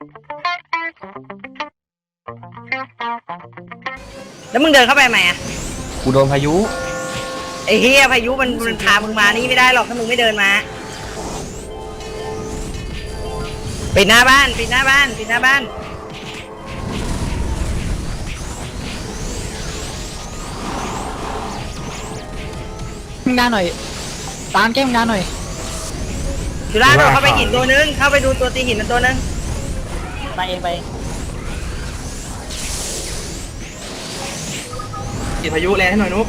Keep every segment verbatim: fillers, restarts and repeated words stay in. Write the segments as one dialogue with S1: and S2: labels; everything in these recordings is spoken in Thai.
S1: แล้วมึงเดินเข้าไปไหมอ่ะ
S2: กูโดนพายุ
S1: ไอ้เฮียพายุมันมันพามึงมานี่ไม่ได้หรอกถ้ามึงไม่เดินมาปิดหน้าบ้านปิดหน้าบ้านปิดหน้าบ้าน
S3: มึงงานหน่อยตามแก้มงานหน่อย
S1: จุฬาโดดเข้าไปหินตัวนึงเข้าไปดูตัวตีหินมันตัวนึง
S3: ไปเองไป
S2: ติดพายุแรงให้หน่อยนุ๊ก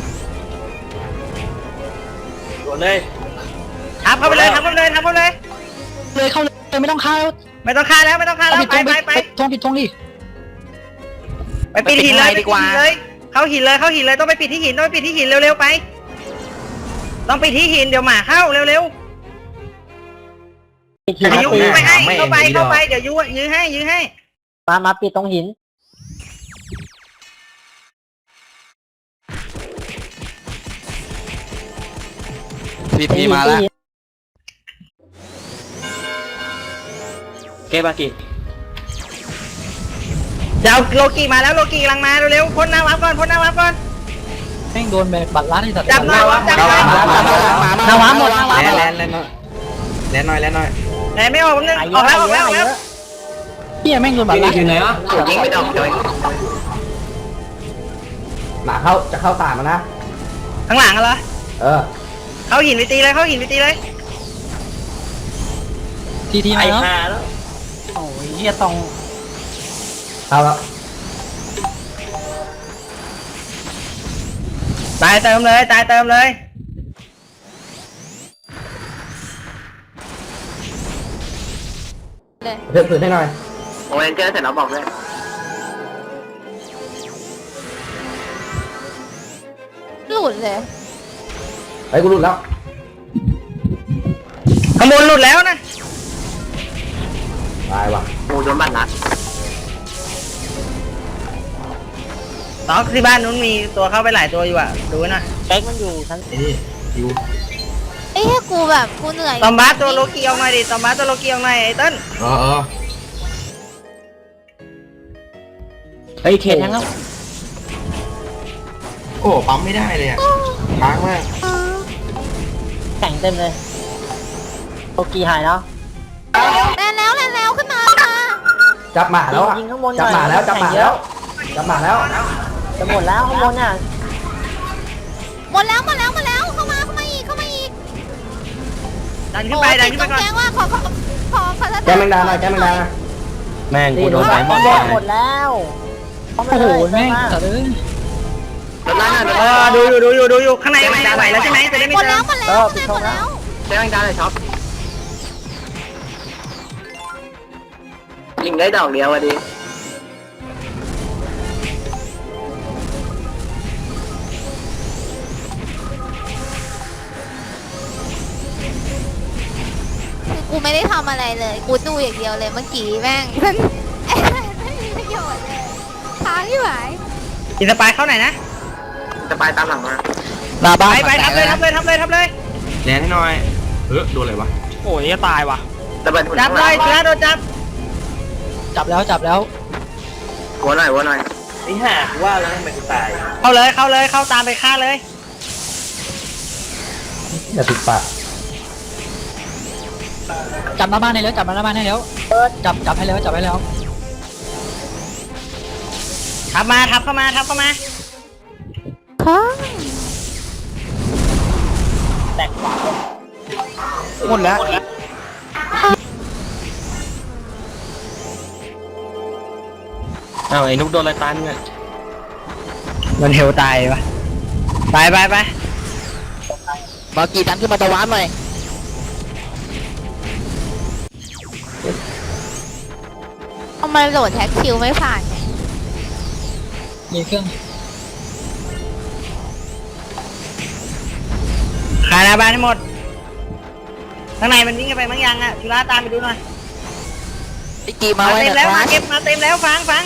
S2: โดนเลย
S1: ทับเข้าไปเลยทับเข้าไปเลยทับเข้าไปเลย
S3: เลยเข้าเลยไม่ต้องฆ่าแล้ว
S1: ไม่ต้องฆ่าแล้วไม่ต้องฆ่าแล้วไปไปไป
S3: ทงผิดทงดิ
S1: ไปปิดหินเลยดีกว่าเลยเข้าหินเลยเข้าหินเลยต้องไปปิดที่หินต้องไปปิดที่หินเร็วๆไปต้องปิดที่หินเดี๋ยวหมาเข้าเร็วๆเดี๋ยวยุ้ยไปให้เข้าไปเข้าไปเดี๋ยวยุ้ยยื้อให้ยื้อให้
S4: มามาปิดตรงหิน
S2: พีพีมาแล้วเก็บอากิ
S1: เดี๋ยวโลกีมาแล้วโลกีกำลังมาเร็วๆพ่นหน้าวับก่อนพ่นหน้าวับก่อน
S3: แม่งโดนแบบบัตรลัดที่สัตว์
S1: จับหน้าวับจับหน้าวับ
S3: หน้าวับหมดหน้าวับ
S2: แลนแลนหน่อยแลนหน่อยแลนหน่อย
S1: ไหนไม่ออกนึงออกแล้วออกแล้วออกแล้ว
S3: พี่แม่งโดนบัตรลัด
S2: อยู่ไหนอ่ะยิงไม่โดนเลยหมาเข้าจะเข้าตามันนะ
S1: ข้างหลังเหรอ
S2: เออ
S1: เข้าหินไปตีเลยเข้าหินไปตีเลย
S3: ทีทีมาแล้วโอ้ยเฮียตอง
S2: เข้าแล้ว
S1: ตายเติมเลยตายเติมเลย
S2: เพิ่มพื้นให้หน่อยโอ้ยเจอเสร็จแล้วบอกเลย
S5: หลุดเลย
S2: ไอ้กูหลุดแล้ว
S1: ขโมยหลุดแล้วนะ
S2: ตายว่ะโอ้โดนบัตรลัด
S1: ตอกที่บ้านนู้นมีตัวเข้าไปหลายตัวอยู่อ่ะดูหน่อย
S4: เป๊กมันอยู่ชั้น
S2: นี่อยู่
S5: ไอ้แค่กูแบบกูเหนื่อย
S1: ตอมบ้าตัวโลกีเอาหน่อยดิตอมบ้าตัวโลกีเอาหน่อยไอ้ต้น
S2: เออเออไอ้เข็นยังโอ้ปั๊มไม่ได้เลยอ่ะค้างมาก
S4: แข่งเต็มเลยโอกีหายแล้ว
S5: แล่นแล้วแล่นแล้วขึ้นมาค่ะ
S2: จับหมาแล้วอ่ะจับหมาแล้วจับหมาแล้วจับหมาแล้ว
S4: จะหมดแล้วข้างบนอ่ะ
S5: หมดแล้วหมดแล้วหมดแล้วเข้ามาเข้ามาอีกเข้ามาอีก
S1: ดันขึ้นไปดันขึ้นไปก่อน
S5: แจ้งว่าขอขอขอขอ
S2: แกมันดาหน่อยแกมันดาแม่งกูโดนไฟหมด
S4: หมดแล้ว
S3: โอ้โหแม่งจัดเลย
S1: เออดูอยู่ดูอยู่ดูอยู่ข้างในข้างในไหวแล้วใช่ไหมจะได้ไม่
S5: หมดแล้วหมดแล้วหมดแล้ว
S2: แจ้งดาเลยช็อปยิงได้ดอกเดียวอ่ะดิ
S5: คือกูไม่ได้ทำอะไรเลยกูดูอย่างเดียวเลยเมื่อกี้แม่งมันไม่มีประโยชน์เลยค้างที่ไหน
S1: อินสปายเข้าไหนนะ
S2: อินสปายตามหลังมา
S1: ลาบายไปทับเลยทับเลยทับเลยทับเลย
S2: แลนให้หน่อยเออโดนอะไรวะ
S3: โอ้ยจะตายว่ะ
S1: จับเลยเสือโดนจับ
S3: จับแล้วจับแล้ว
S2: วัวหน่อยวัวหน่อยไอ้ห่าว่าแล้วทำไมกูตาย
S1: เข้าเลยเข้าเลยเข้าตามไปฆ่าเลย
S2: อย่าติดปาก
S3: จับมาบ้านให้แล้วจับมาหน้าบ้านให้แล้วจับจับให้แล้วจับให้แล้ว
S1: ทับมาทับเข้ามาทับเข้ามา
S4: แตกขวา
S3: หมดแล้ว
S2: อ้าวไอ้นุ๊กโดนอะไรตายเนี่ย
S1: มันเฮลตายวะไปไปไป
S4: มากี่ตันขึ้นมาตะวันหน่อย
S5: ทำไมโหลดแท็กคิวไม่ผ่าน
S3: มีเครื่อง
S1: ขายหน้าบ้านให้หมดข้างในมันวิ่งกันไปบางอย่างอ่ะจุฬาตามไปดูหน่อย
S4: ไอ้กีมา
S1: เต็มแล้วมาเก็บมาเต็มแล้วฟังฟัง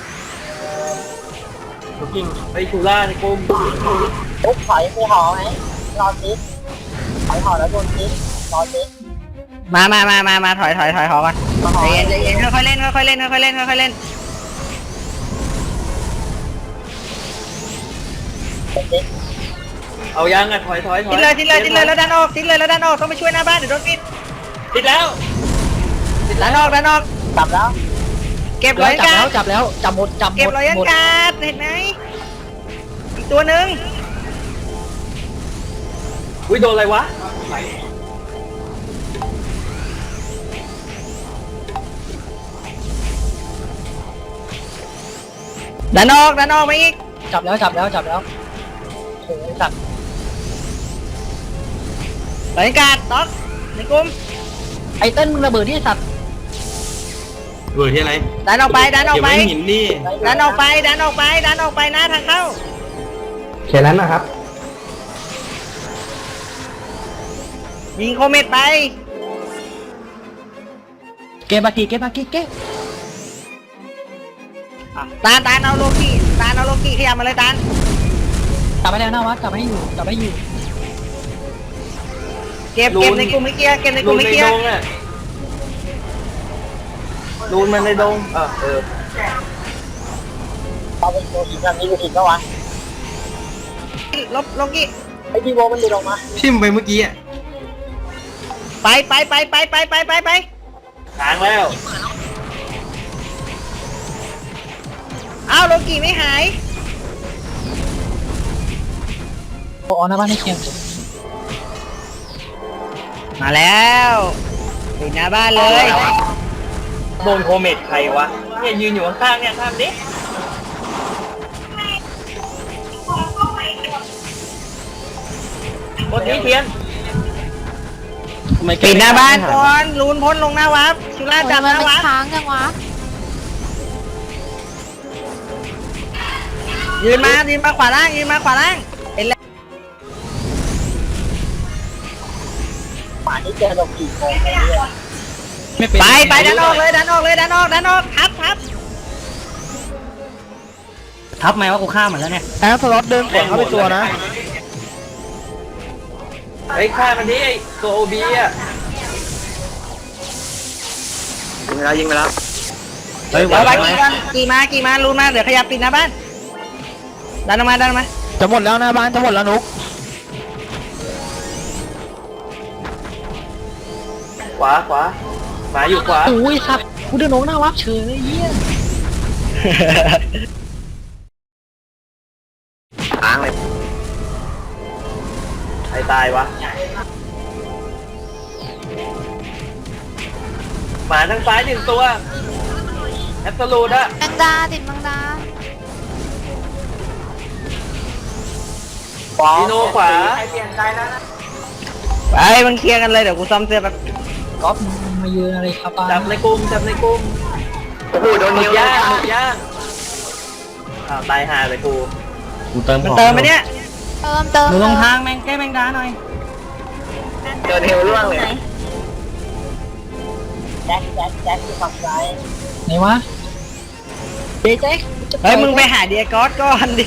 S2: จริงไอ้จุฬาในกลุ่ม
S4: โอ้ถอยไปห่อไหมรอซิถอยห่อแล้วโดนซิรอซิ
S1: มามามามามาถอยถอยถอยถอยก่อนใจเย็นใจเย็นค่อยๆเล่นค่อยๆเล่นค่อยๆเล่นค่อยๆเล่น
S2: เอายังอ่ะถอยถอยถอย
S1: ทิ้งเลยทิ้งเลยทิ้งเลยแล้วดันออกทิ้งเลยแล้วดันออกต้องไปช่วยหน้าบ้านเดี๋ยวโดนปิด
S2: ติดแล้ว
S1: ดันออกดันออก
S4: จับแล้ว
S1: เก็บ
S3: แล้
S1: ร้
S3: ว
S1: อย
S3: จับ
S1: กา
S3: แล้ว
S1: ด
S3: จับแล้วจับหมดจับหม
S1: เก็บ
S3: ด
S1: ร้อย
S3: หมด
S1: กาดเห็นไหมอีกตัวหนึ่ง
S2: อุ้ยโดนอะไรวะ
S1: ดันออกดันออกมาอีก
S3: จับแล้วจับแล้วจับแล้วโอ้ยสัตว์
S1: ร้อยกาดต๊อกในกลุ่ม
S3: ไอ้เต้นมึงระเบิดที่สัตว์
S2: เบิดที่อะไร
S1: ดันออกไปดันออกไป
S2: เดี๋ยวไม่หินนี่
S1: ดันออกไปดันออกไปดันออกไปหน้าทางเข้า
S2: แค่นั้นนะครับ
S1: ยิงโคเมตไป
S3: เก็บบากีเก็บบากีเก็บ
S1: ตาลตาลเอาโลกิตาลเอาโลกิขยับมาเลยตาล
S3: จับไปแล้วนะวัดจับให้อยู่จับให้อยู่
S1: เก็บเก็บในกลุ่มไม่เกียร์เก็บในก
S2: รู
S1: ลุ่ม
S2: น
S1: ไม่
S2: ใน
S1: เกีย
S2: ด
S1: ร์
S2: งอ่ะรูนมันในดงเออเออ
S4: เอาไปโดนหินแบบนี้ดูหินปะวะ
S1: ลบโลกิ
S4: ไอ้ที่โบมันดูลงมา
S2: ทิ่มไปเมื่อกี้อ่ะ
S1: ไปไปไปไปไปไปไปไป
S2: ค้างแล้ว
S1: อ้าวโลกิไม่หาย
S3: โอ้เอาหน้าบ้านให้เคียง
S1: มาแล้วปิดหน้าบ้านเลย
S2: โดนโคเมตใครวะเนี่ยยืนอยู่ข้างๆเนี่ยข้ามดิกดนี้เทียน
S1: ปิดหน้าบ้านก่อนลูนพ้นลงหน้าวับชุล่าจับห
S5: มัน
S1: น้า
S5: มัน
S1: วับ
S5: ค้างยังวะ
S1: ยืนมายืนมาขวาล่างยืนมาขวาล่างเป็นแล้ว
S4: ป่านนี้เจอลงกี่โมงเนี่ย
S3: ไม่เป็น
S1: ไปไปดันออกเลยดันออกเลยดันออกดันออกทับทับ
S2: ทับไหมว่ากูฆ่ามันแล้วเนี่ย
S3: แอร์สล็อตเดินก่อนเข้าไปตัวนะ
S2: ไอ้ฆ่ามันดิไอ้ตัวโอบีอ่ะยิงไปแล้วยิงไปแล้วเฮ้ย
S1: เดี๋ยวไปกี่กันกี่มากี่มาลูนมาเดี๋ยวขยับปิดหน้าบ้านดันออกมาดันออกมา
S3: จะหมดแล้วหน้าบ้านจะหมดแล้วนุก
S2: ขวาขวาหมาอยู่ขวา
S3: โอ้ยสัตว์กูเดินลงหน้าวับเฉยเลยเยี่ย
S2: ค้างเลยใครตายวะหมาทางซ้ายหนึ่งตัวแอบสูดอะ
S5: แมงดาติดแมงดา
S2: ดีโนขวา
S1: ไปมันเคลียร์กันเลยเดี๋ยวกูซ่อมเสื้อแบบ
S3: ก๊อฟมายืนอะไรครับป้า
S2: จับในกลุ่มจับในกลุ่มโอ้โหโดนนิ้วย่างหมดย่างอ้าวตายห่าเลยกูกูเติม
S1: มันเติมไปเนี่ย
S5: เติมเติม
S1: หนูลงทางแมงแก้แมงดาหน่อย
S2: เจอเทวล่วงเลย
S4: แจ็คแจ็คแจ็คที่ฝั่งซ้าย
S3: ไหนวะเจ๊เจ๊
S1: เฮ้ยมึงไปหาเดียกอสก่อนดิ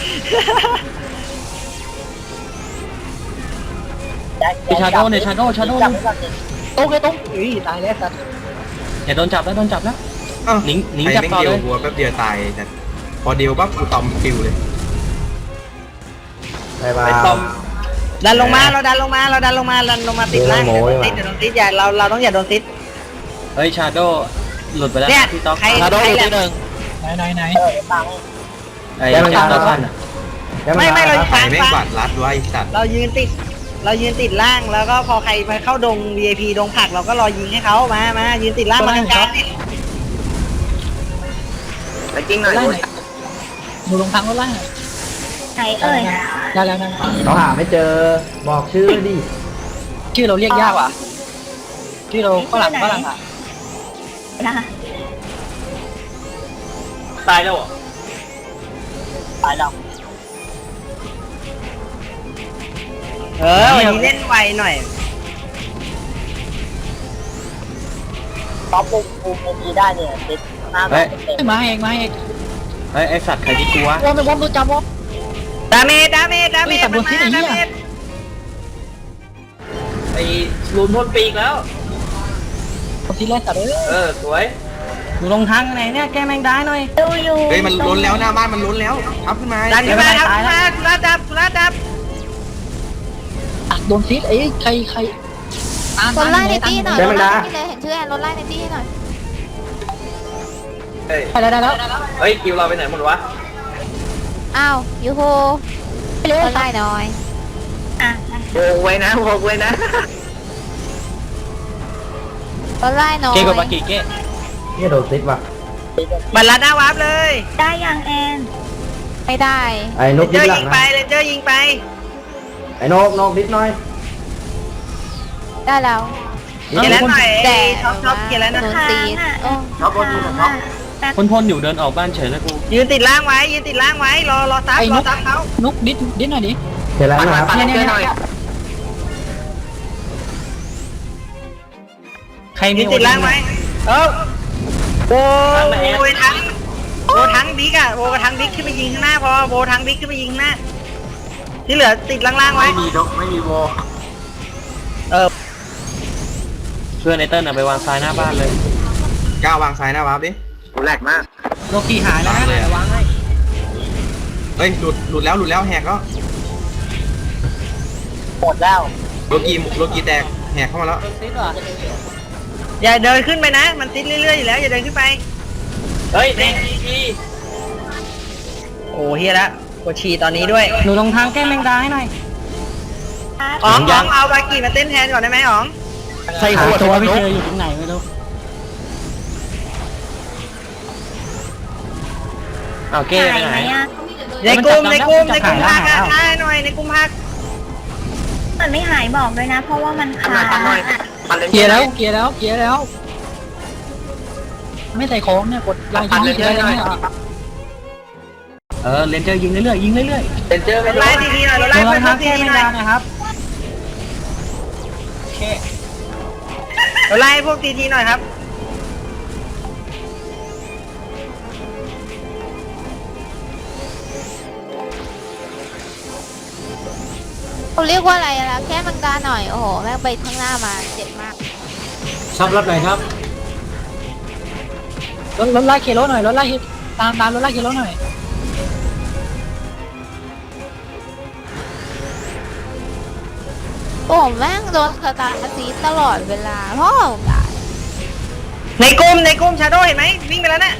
S4: แจ็ค
S3: ชาโดเนี่ยชาโดชาโด
S4: จับไว้ก่อนดิ
S3: ตรงเลยตรงอุ้ยตายแล้วสัตว์อย่าโดนจับแล้วโดนจับแล้ว
S6: นิ้งนิ้งจับต่อเลยหัวแป๊บเดียวตายแต่พอเดียวปั๊บกูตอมฟิวเลย
S2: ไปบ้า
S6: ไปต้อม
S1: ดันลงมาเราดันลงมาเราดันลงมาดันลงมาติดล่าง
S2: โม้
S1: เดี๋ยวโดน
S2: ดี
S1: ติด
S2: กว่า
S1: เดี๋ยวโดนติดอย่าเราเราต้องอย่าโดนติด
S6: เฮ้ยชาโดหลุดไปแล้ว
S1: เนี่ย
S6: พี่ต๊อก
S1: ใคร
S3: ชาโด
S1: ใคร
S3: อยู่
S1: แหละ
S3: ที่หนึ่งไหนไหนไหน
S4: เออตามให้
S6: ไอ้ชาโดสั้นอ่ะ
S1: ไม่ไม่เรา
S6: ใคร
S1: ฟัง
S6: แม่ง
S1: ฟัง
S6: กวาดรัดไว้สัตว์
S1: เรายืนติด เรายืนติดล่างแล้วก็พอใครมาเข้าดง วี ไอ พี ดงผักเราก็รอยิงให้เขามามายืนติดล่างมากลางๆเนี่ย
S2: ไปกิ้งหน่อย
S3: ไล่ไหนหนูลงทางรถไล่ไหน
S5: ไหนเอ่ย
S3: ได้แล้วได้
S2: เขาหาไม่เจอบอกชื่อดิ
S3: ชื่อเราเรียกยากว่ะชื่อเราฝรั่งฝรั่งอ่ะ
S2: ตายแล้วเหรอ
S4: ตายแล้ว
S1: เออวันนี้เล่นไวหน่อย
S4: ท็อปมุมมุมมุมนี้ได้เนี่ยติดหน้าแบบเต็ม
S3: มาเองมาเอง
S6: เฮ้ยไอสัตว์ใครที่กลัว
S3: วอมไปวอมตัวจับวอม
S1: ดาเมจดาเมจดาเมจ
S3: เฮ้ยแต่บนที่ไหนเนี่ย
S1: ดาเมจ
S2: ไอ้ลูนพ่นปีกแล้ว
S3: ทีแรกตัดเลย
S2: เออสวย
S3: อยู่ลงทางไหนเนี่ยแกแมงดาหน่อย
S4: ดูอยู่
S6: เฮ้ยมันล้นแล้วหน้าบ้านมันล้นแล้วทับขึ้นมา
S1: ดันขึ้นมาดันขึ้นมาสุราจับสุราจับ
S3: ตัดโดนซิดเอ้ยใครใครตาม
S5: รถไล่ใน
S3: ตาม
S5: ตี้หน่อย
S3: ได้
S5: ร
S3: ไหม
S5: ถไล่
S3: ล่ะ
S5: ในตี้เลยเห็นชื่อแอนรถไล่ในตี้หน่อย
S2: เฮ้ย
S3: ไปได้แล้ว
S2: เฮ้ยคิวเราไปไหนหมดวะ
S5: อ้าวยูโฮ
S3: ไปเลย
S5: รถไล่หน่อย
S2: โวไว้นะโวไว้นะ
S5: รถไล่หน่อย
S3: เก้กับปากิเก้
S2: นี่โดนซิดว่ะ
S1: บัลลัดหน้าวาร์ปเลย
S4: ได้ยังแอน
S5: ไม่ได้
S2: ไอ้น
S1: เล
S2: ก
S1: นเจอร์ยิงไปเลนเจอร์ยิงไป
S2: ไอ้นกนกนิดหน่อย
S5: ได้แล้ว
S1: เขียนแล้วหน่อย
S5: แต่
S1: ชอบชอบเขียนแล้วนะ
S5: โดนตีนโอ้
S2: ชอบคนดูชอบ
S3: พ่นพ่นอยู่เดินออกบ้านเฉยนะกู
S1: ยืนติดล่างไว้ยืนติดล่างไว้รอรอซับรอซับเขา
S3: นุกดิดดิดหน่อยดิ
S2: เขียนแล้วนะครับ
S3: เนี่ยเนี่ยเนี่ยใครมี
S1: ยืนติดล่างไว้เออโอ้ยทั้งโบทั้งบิ๊กอะโบกับทั้งบิ๊กขึ้นไปยิงข้างหน้าพอโบทั้งบิ๊กขึ้นไปยิงข้างหน้าที่เหลือติดล่างๆไว้
S2: ไม่มีดกไม่มีโว
S1: เออ
S3: เพื่อนไอเติ้ลเอาไปวางซ้ายหน้าบ้านเลย
S6: ก้าววางซ้ายหน้าวาร์ปดิ
S2: กูแหลกมาก
S3: โลกีหายแล้วนะวางให้
S6: เฮ้ยหลุดหลุดแล้วหลุดแล้วแหกแล้ว
S3: หมดแล้ว
S6: โลกีโลกีแตกแหกเข้ามาแล้ว
S3: ซิดว่ะ
S1: อย่าเดินขึ้นไปนะ มันติดเรื่อยๆอยู่แล้วอย่าเดินขึ้นไป
S2: เฮ้ยเด็กที
S1: โอ้เฮียละปวดฉี่ตอนนี้ด้วย
S3: หนูลงทางแก้แมงดาให้หน่อย
S1: อ๋องอ๋องเอาบากีมาเต้นแทนก่อนได้ไหมอ๋อง
S3: ใส่หัวตัวไม่เจออยู่ตรงไหนไม่รู้เอาเก้ไปไหน
S1: ในกลุ่มในกลุ่มในกลุ่มพักอะใช่หน่อยในกลุ่มพัก
S4: มันไม่หายบอกด้วยนะ เพราะว่ามันขาด
S3: เกียร์แล้วเกียร์แล้วเกียร์แล้ว ไม่ใส่ของเนี่ยกดลายยิงเฉยๆเนี่ยเออเลนเจอร์ยิงเรื่อยๆยิงเรื่อย
S2: เป็นเจอ
S1: ร
S2: ไม่
S1: ถ
S2: รู้
S1: ไล่ทีทีหน่อยรถ
S3: ๆ
S1: ไล่
S3: ล
S1: เพื่อง น
S3: ทาง
S1: ที
S3: แก้
S1: ที
S3: แมง
S1: หน่อ
S3: ดาย นะครับโอเค
S1: รถไล่พวกทีทีหน่อยครับ
S5: เขาเรียกว่าอะไรล่ะแค่มังกาหน่อยโอ้โหแม่งไปข้างหน้ามาเจ็บมาก
S2: ชอบรับไหนครับ
S3: รถรถไล่เคโลหน่อยรถไล่ตามตามรถไล่เคโลหน่อย
S5: โอ้แม่งโดนสตาร์ทซีตลอดเวลาพ่อมึงตาย
S1: ในกลุ่มในกลุ่มชาโดว์เห็นไหมวิ่งไปแล้วน่ะ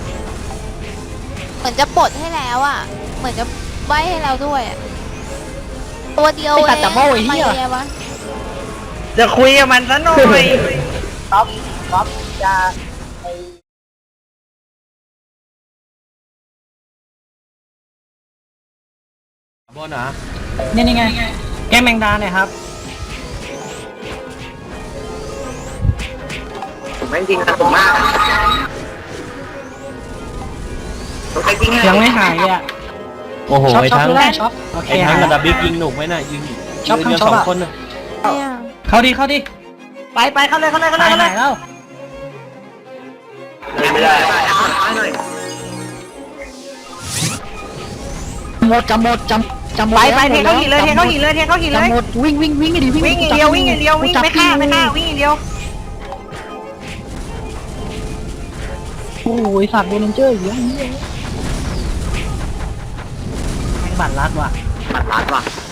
S5: เหมือนจะปลดให้แล้วอ่ะ เหมือนจะใบให้เราด้วยอะตัวเดียวเองทำไมเนี่ยวะ
S1: จะคุยกับมันซะหน่อย
S3: ท็อปท็อปจะบนเหรอนี่นี่ไงแก้แมงดาเนี่ยครับ
S2: ผมไม่จริงนะผมมากผมไปจริง
S3: ยังไม่หายเลยอ่ะ
S7: โอ้โห
S3: ช็อป
S7: ไอ้
S3: ช็อป
S7: ทั้ง
S3: ดูได้ช็อปโอเค
S7: ไอ้ทั้ง
S3: หาย
S7: ระดับบิ๊กยิงหนุกไหมน่ะยิง
S3: ช็อป
S7: ยืน
S3: ทั้งช็อป
S7: กันสอง
S3: อะ
S7: คนน่ะ
S5: เนี่ย
S3: เข้าดิเข้าดิ
S1: ไปไปเข้าเลยเข้าเลยเข้าเลย
S3: หาย
S1: เข้าเล
S3: หาย ยแล้ว
S2: ไม่ได้
S3: หมดจำหมดจำจำหมด
S1: ไปไป
S3: แว
S1: เทเข้าหินเลยเทเข้าหินเลยเทเข้าหินเลย
S3: จำหมดวิ่งวิ่งวิ่งดิวิ่ง
S1: วิ่งอย่างเดียววิ่งอย่างเดียววิ่งไม่ฆ่าไม่ฆ่าวิ่งอย่างเดียว
S3: โอ้ยสัตว์โบนันเจอร์อยู่อย่างนี้แม่งบัตรลัดว่ะ
S2: ปัดร้านว่ะ